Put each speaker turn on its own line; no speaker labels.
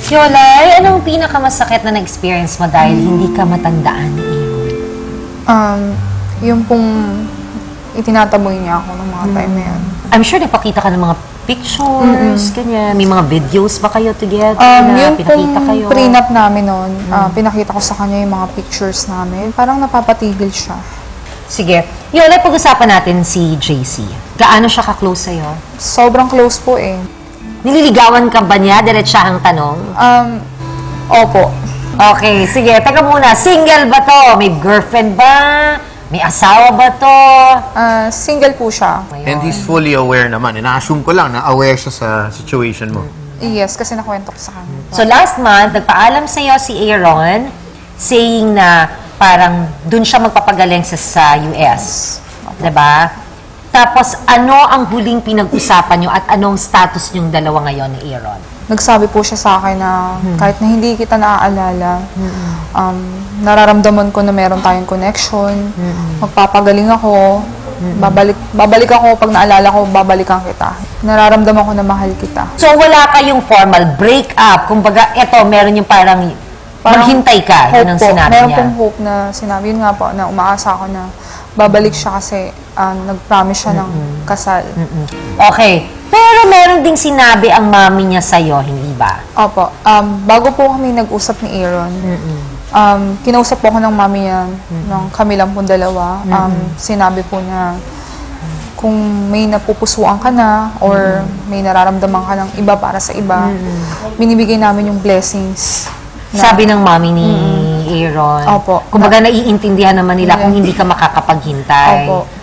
Yolay, anong pinakamasakit na na-experience mo dahil hindi ka matandaan ni Aaron?
Yung pong itinataboy niya ako ng mga time na yun.
I'm sure nagpakita ka ng mga pictures, ganyan. May mga videos ba kayo together na
Yung
pinakita kayo?
pong prenup namin noon, pinakita ko sa kanya yung mga pictures namin. Parang napapatigil siya.
Sige. Yolay, pag-usapan natin si JC. Gaano siya ka-close sa'yo?
Sobrang close po eh.
Nililigawan ka ba niya? Diretsahang tanong.
Opo.
Okay, sige. Teka muna. Single ba to? May girlfriend ba? May asawa ba to?
Single po siya.
And he's fully aware naman. Ina-assume ko lang na aware siya sa situation mo.
Yes, kasi nakwento ko sa kanya.
So last month, nagpaalam sa'yo si Aaron saying na parang dun siya magpapagaling sa US. Diba? Tapos, ano ang huling pinag-usapan nyo at anong status nyong dalawa ngayon ni Aaron?
Nagsabi po siya sa akin na kahit na hindi kita naaalala, nararamdaman ko na meron tayong connection, magpapagaling ako, babalik ako pag naalala ko, babalikan kita. Nararamdaman ko na mahal kita.
So, wala kayong formal break-up. Kumbaga, eto, meron yung parang maghintay ka. Yun ang sinabi
meron
niya.
pong hope na sinabi. Yun nga po, na umaasa ako na babalik siya kasi nag-promise siya ng kasal.
Okay. Pero meron ding sinabi ang mami niya sa'yo, hindi ba?
Opo. Bago po kami nag-usap ni Aaron, kinausap po ako ng mami niya, ng kami lang pong dalawa. Sinabi po niya, kung may napupusuan ka na or may nararamdaman ka ng iba para sa iba, binibigay namin yung blessings.
Sabi ng mami ni Aaron.
Opo.
Kumbaga, naiintindihan naman nila kung hindi ka makakapaghintay.
Opo.